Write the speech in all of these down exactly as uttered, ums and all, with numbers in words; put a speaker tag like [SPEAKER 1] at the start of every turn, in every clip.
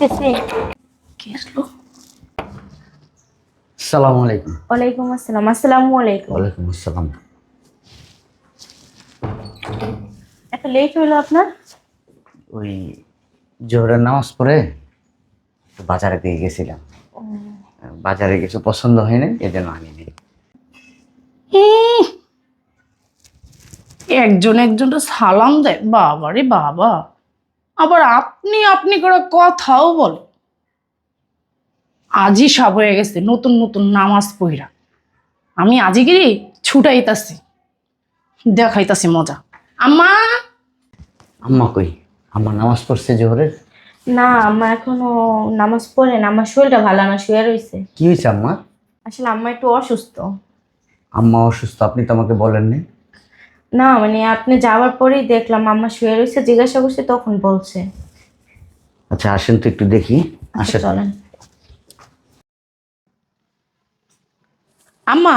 [SPEAKER 1] আসতেছি।
[SPEAKER 2] কি আসলো?
[SPEAKER 3] আসসালামু আলাইকুম।
[SPEAKER 1] ওয়ালাইকুম আসসালাম। আসসালামু আলাইকুম।
[SPEAKER 3] ওয়ালাইকুম আসসালাম।
[SPEAKER 1] এত লেট হলো আপনার?
[SPEAKER 3] ওই জোহরের নামাজ পড়ে একটু বাজারে দিয়ে গেছিলাম। বাজারে কিছু পছন্দ হয়নি, এই জন্য আনিনি।
[SPEAKER 2] হুম, একজন একজনটা সালাম দেয়, বাবা রে বাবা। আবার আপনি আপনি করে কথাও বলে। আজই সব হয়ে গেছে নতুন নতুন নামাজ পড়া। আমি আজিগিরি ছুটাইতাছি, দেখাইতাছি মজা। আম্মা,
[SPEAKER 3] আম্মা কই? আম্মা নামাজ পড়ছে জোহরের?
[SPEAKER 1] না, আম্মা এখনো নামাজ পড়ে না। আমার শরীরটা ভালো না, শুয়ে রয়েছে।
[SPEAKER 3] কি হয়েছে আম্মা?
[SPEAKER 1] আসলে আম্মা একটু অসুস্থ।
[SPEAKER 3] আম্মা অসুস্থ? আপনি তো আমাকে বলেননি।
[SPEAKER 1] না মানে আপনি যাওয়ার পরেই দেখলাম আম্মা শুয়ে রয়েছে, জিজ্ঞাসা করছে তখন বলছে।
[SPEAKER 3] আচ্ছা আসেন তো একটু দেখি।
[SPEAKER 1] আচ্ছা
[SPEAKER 3] আসেন।
[SPEAKER 1] চলেন।
[SPEAKER 4] আম্মা,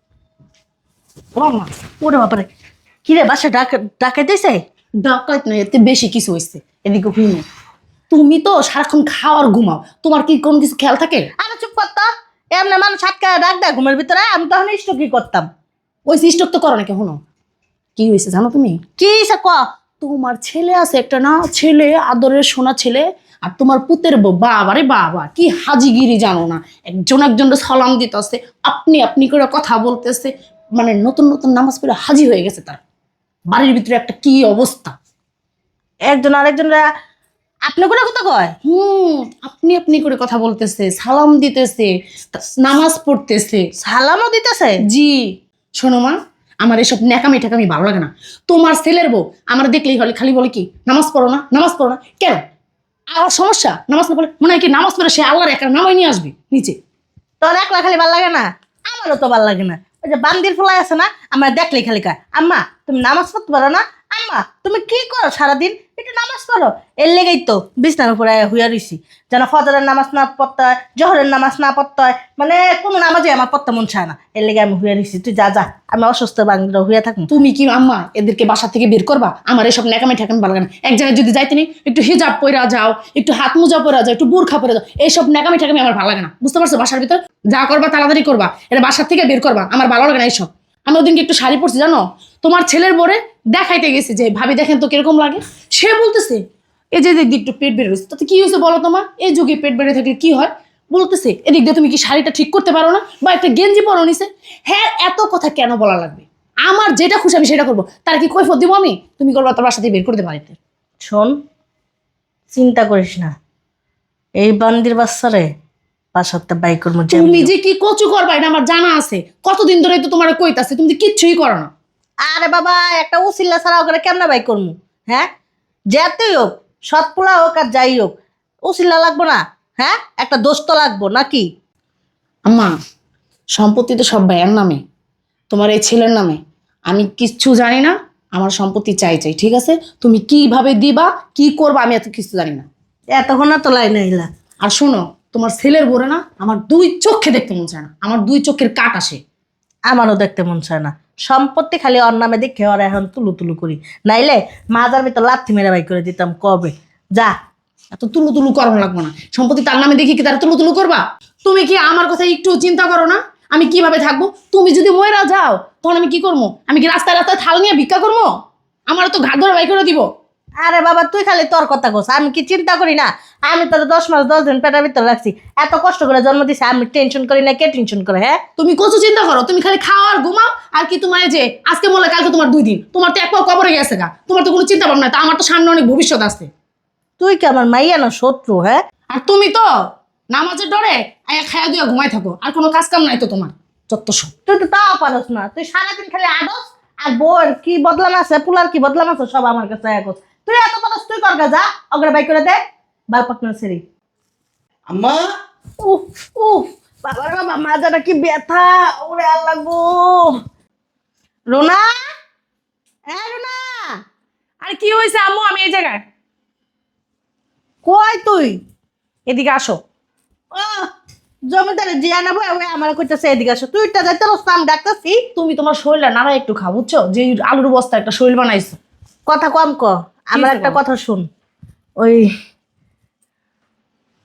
[SPEAKER 4] ও আম্মা, ওরে বাবারে, কি রে বাসা ডাক ডাকাইতেছে?
[SPEAKER 2] ডাকাত নয়, এতে বেশি কিছু হয়েছে। এদিকে হুম, তুমি তো সারাক্ষণ খাওয়ার ঘুমাও, তোমার কি কোনো কিছু খেয়াল থাকে?
[SPEAKER 4] আরে চুপ করতো, এমনি মানুষ আটকা ডাক দেয় ঘুমের ভিতরে, আমি তখন ইষ্ট কি করতাম?
[SPEAKER 2] ওই সিস্টক তো করো নাকি? শুনো কি হয়েছে জানো তুমি?
[SPEAKER 4] কি সে ক?
[SPEAKER 2] তোমার ছেলে আছে একটা না, ছেলে আদরের সোনা ছেলে, আর তোমার পুতের বউ, বাবা রে বাবা কি হাজিগিরি জানো না। একজন একজন সালাম দিতেছে, আপনি আপনি করে কথা বলতেছে, মানে নতুন নতুন নামাজ পড়ে হাজি হয়ে গেছে। তার বাড়ির ভিতরে একটা কি অবস্থা।
[SPEAKER 4] একজন আরেকজনরা আপনি কোনো কথা কয়?
[SPEAKER 2] হুম, আপনি আপনি করে কথা বলতেছে, সালাম দিতেছে, নামাজ পড়তেছে।
[SPEAKER 4] সালামও দিতেছে?
[SPEAKER 2] জি। শোনো মা, আমার এসব ন্যাকামি ঠেকামি ভালো লাগে না। তোমার ছেলের বউ আমার দেখলেই হলে খালি বলে কি নামাজ পড়ো না, নামাজ পড়ো না। কেন? আর সমস্যা? নামাজ না পড়লে মনে হয় কি নামাজ পড়ে সে আল্লাহর একটা নামাই নিয়ে আসবে নিচে।
[SPEAKER 4] তোর একলা খালি ভাল লাগে না? আমারও তো ভাল লাগে না। ওই যে বান্দির ফুলাই আছে না, আমার দেখলেই খালি কয় আম্মা তুমি নামাজ পড়তে পারো না, আম্মা তুমি কি করো সারাদিন, একটু নামাজ পড়ো। এর লেগেই তো বিছনার উপরে হুইয়া রইছি, যেন ফজরের নামাজ না পড়তে হয়, জহরের নামাজ না পড়তে হয়, মানে কোনো নামাজে আমার পড়তে মন চায় না। এর লেগে আমি হুইয়া রইছি। তুই যা যা, আমি অসুস্থ বাংলা হুইয়া থাকুন।
[SPEAKER 2] তুমি কি আম্মা এদেরকে বাসা থেকে বের করবা? আমার এসব ন্যাকামি ঠেকামি ভালো লাগে না। এক জায়গায় যদি যাইতে নি একটু হিজাব পরা যাও, একটু হাত মোজা পরা যাও, একটু বোরখা পরে যাও, এইসব ন্যাকামি ঠেকামি আমার ভালো লাগে না। বুঝতে পারছো? বাসার ভিতর যা করবা তাড়াতাড়ি করবা, এটা বাসার থেকে বের করবা, আমার ভালো লাগে না এইসব। আমি ওদিনকে একটু শাড়ি পরছি জানো, তোমার ছেলের বোরে দেখাইতে গেছি যে ভাবি দেখেন তো কিরকম লাগে। সে বলতেছে এই যে এদিক দিয়ে একটু পেট বেড়ে রয়েছে, তাতে কি হয়েছে বলো তোমার? এই যুগে পেট বেড়ে থাকলে কি হয়? বলতেছে এদিক দিয়ে তুমি কি শাড়িটা ঠিক করতে পারো না, বা একটা গেঞ্জি পরো নিছে। হ্যাঁ, এত কথা কেন বলা লাগবে? আমার যেটা খুশি আমি সেটা করবো, তার কি কৈফত দিব আমি? তুমি করবা তোমার সাথে বের করতে পারিতে।
[SPEAKER 4] শোন, চিন্তা করিস না, এই বান্দির বাচ্চারে বাসাতে বাই করবো।
[SPEAKER 2] তুমি যে কি কচু করবা এটা আমার জানা আছে। কতদিন ধরে তো তোমার কইতাছে, তুমি তো কিচ্ছুই করো না।
[SPEAKER 4] আরে বাবা, একটা উসিল্লা ছাড়া ওকে কেমনে বাই করবো? হ্যাঁ, যেতেই হোক, সৎপুলা হোক আর যাই হোক, উসিল্লা লাগবো না? হ্যাঁ, একটা দোষ তো লাগবো নাকি?
[SPEAKER 2] আম্মা, সম্পত্তি তো সব ভাইয়ের নামে, তোমার এই ছেলের নামে। আমি কিচ্ছু জানি না, আমার সম্পত্তি চাই চাই, ঠিক আছে? তুমি কিভাবে দিবা কি করবা আমি এত কিছু জানি না।
[SPEAKER 4] এতক্ষণ না তো লাইন আইলা।
[SPEAKER 2] আর শোনো, তোমার ছেলের বোরে না আমার দুই চোখে দেখতে মন চায় না, আমার দুই চোখের কাট আসে।
[SPEAKER 4] আমারও দেখতে মন চায় না। সম্পত্তি খালি ওর নামে দেখে ওরা এখন তুলু তুলু করি, নাইলে মাজার ভিতর লাথি মেরে বাই করে দিতাম কবে। যা,
[SPEAKER 2] এত তুলু তুলু করানো লাগবো না। সম্পত্তি তার নামে দেখি কি তারা তুলু তুলু করবা? তুমি কি আমার কথা একটু চিন্তা করো না? আমি কিভাবে থাকবো? তুমি যদি ময়রা যাও তখন আমি কি করবো? আমি কি রাস্তায় রাস্তায় থাল নিয়ে ভিক্ষা করবো? আমার তো ঘাট ধরে বাই করে দিব।
[SPEAKER 4] আরে বাবা তুই খালি তোর কথা কোস, আমি কি চিন্তা করি না? আমি তোর দশ মাস দশ দিন পেটের ভিতর রাখছি, এত কষ্ট করে জন্ম দিছি, আমি টেনশন করি না? কে টেনশন করে? হ্যাঁ,
[SPEAKER 2] তুমি কচু চিন্তা করো, তুমি খালি খাও আর ঘুমাও। আর কি তোমার এই যে আজকে বলে কালকে তোমার দুই দিন, তোমার তো এক পাও কবরে গেছে গা, তোমার তো কোনো চিন্তা ভাবনা নাই। তা আমার তো সামনে অনেক ভবিষ্যৎ আছে।
[SPEAKER 4] তুই কি আমার মাইয়া না শত্রু? হ্যাঁ,
[SPEAKER 2] আর তুমি তো নামাজের ডরে আয়া খায়া দিয়া ঘুমাই থাকো, আর কোনো কাজ কাম নাই তো তোমার। যত সব
[SPEAKER 4] তুই তো তাও পারস না, তুই সারাদিন খালি আডস। আর বউর কি বদলাম আছে, পুলার কি বদলাম আছে, সব আমার কাছে একস। তুই এত পারস, তুই কর গা, যা অগ্রে বাই করে দে বাল পাকনা সেরি।
[SPEAKER 3] আম্মা,
[SPEAKER 4] উফ উফ, বাবা রে বাবা, মাজাটা কি ব্যথা, ওরে আল্লাহ গো। রোনা, হ্যাঁ রোনা,
[SPEAKER 2] আর কি হয়েছে আম্মু? আমি এই জায়গায়।
[SPEAKER 4] কই তুই?
[SPEAKER 2] এদিকে আসো।
[SPEAKER 4] ও জমিদারে জিয়া নেবো, আমার কইতেছে এদিকে আসো। তুইটা যাইতে রস্তাম ডাকতেছি।
[SPEAKER 2] তুমি তোমার শরীরটা নাড়া একটু খাও, বুঝছো? যে আলুর বস্তা একটা শরীর বানাইছো।
[SPEAKER 4] কথা কম ক, আমার
[SPEAKER 2] হইছে
[SPEAKER 4] একটা
[SPEAKER 2] বলো?
[SPEAKER 4] কথা শুন। ওই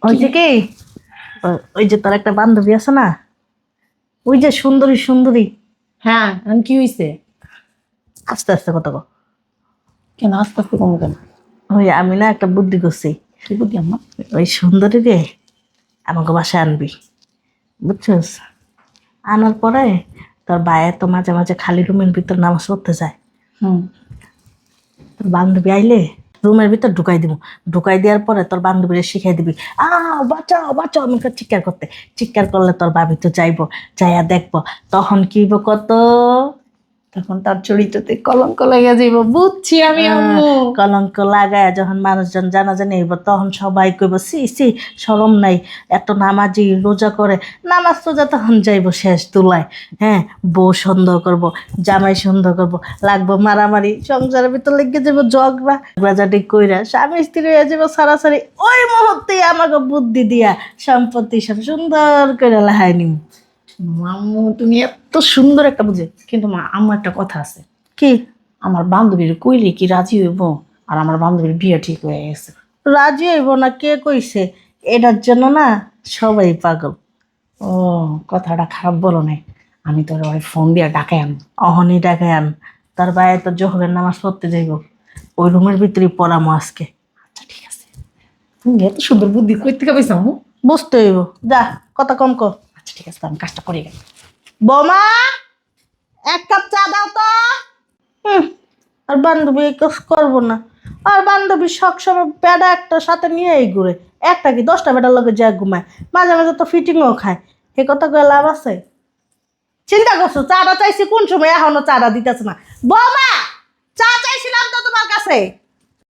[SPEAKER 4] ওই যে কি ও- ওই যে তোর একটা বান্ধবী আছে না, ওই যে সুন্দরী সুন্দরী,
[SPEAKER 2] হ্যাঁ এখন কি হয়েছে?
[SPEAKER 4] আস্তে আস্তে কথা কও।
[SPEAKER 2] কেন আস্তে আস্তে কমে কেন?
[SPEAKER 4] ওই আমি না একটা বুদ্ধি করছি,
[SPEAKER 2] কি বুদ্ধি আম্মা?
[SPEAKER 4] ওই সুন্দরী রে আমাকে বাসায় আনবি, বুঝছিস? আনার পরে তোর ভাইয়ের তো মাঝে মাঝে খালি রুমের ভিতর নামাজ পড়তে যায়,
[SPEAKER 2] হুম
[SPEAKER 4] তোর বান্ধবী আইলে রুমের ভিতর ঢুকাই দিব, ঢুকাই দেওয়ার পরে তোর বান্ধবীরে শিখাই দিবি আ বাঁচাও বাঁচাও আমি করে চিৎকার করতে, চিৎকার করলে তোর ভাবি তো যাইবো, যাইয়া দেখবো, তখন কি হইব কত
[SPEAKER 2] তখন তার চরিত্রতে কলঙ্ক লাগিয়ে যাইব, বুঝছি আমি আম্মু।
[SPEAKER 4] কলঙ্ক লাগায় যখন মানুষজন জানাজানি হইব তখন সবাই কইব সি সি শরম নাই, এত নামাজি রোজা করে, নামাজ রোজা তখন যাইব শেষ তুলায়। হ্যাঁ, বউ সন্দেহ করব, জামাই সন্দেহ করব, লাগবো মারামারি, সংসারের ভিতর লেগে যাব ঝগড়া বাজাটি কইরা স্বামী স্ত্রী হয়ে যাব সারাসারি। ওই মুহূর্তে আমাকে বুদ্ধি দিয়া সম্পত্তি সব সুন্দর করে লাহাই নিম।
[SPEAKER 2] আম্মু তুমি এত সুন্দর একটা বুঝে, কিন্তু মা আম্মু একটা কথা আছে।
[SPEAKER 4] কি
[SPEAKER 2] আমার বান্ধবীর কইলে কি রাজি হইব? আর আমার বান্ধবীর বিয়ে ঠিক হয়ে গেছে।
[SPEAKER 4] রাজি হইব না কে কইছে? এটার জন্য না সবাই পাগল।
[SPEAKER 2] ও কথাটা খারাপ বলো নাই, আমি তোর ওই ফোন দিয়ে ডাকে আন।
[SPEAKER 4] অহনি ডাকায় আন, তার বাইরে তো জোহরের নামাজ পড়তে যাইব, ওই রুমের ভিতরে পড়ামো আজকে।
[SPEAKER 2] আচ্ছা ঠিক আছে, তুমি এত সুন্দর বুদ্ধি কই থেকে পাইছো আম্মু?
[SPEAKER 4] বুঝতে হইব, যা কথা কম কর।
[SPEAKER 2] আচ্ছা ঠিক আছে, আমি কাজটা করে গেলাম।
[SPEAKER 4] বোমা, এক কাপ চা দাও তো। হুম, আর বান্ধবী এই কাজ করবো না, আর বান্ধবী সবসময় বেড়া একটা সাথে নিয়েই ঘুরে, একটা কি দশটা বেড়ার লগে যা ঘুমায়, মাঝে মাঝে তো ফিটিংও খায়, এ কথা কয়ে লাভ আছে? চিন্তা করছো চাটা চাইছি কোন সময় এখনো চাটা দিতেছে না? বোমা, চা চাইছিলাম তো তোমার কাছে।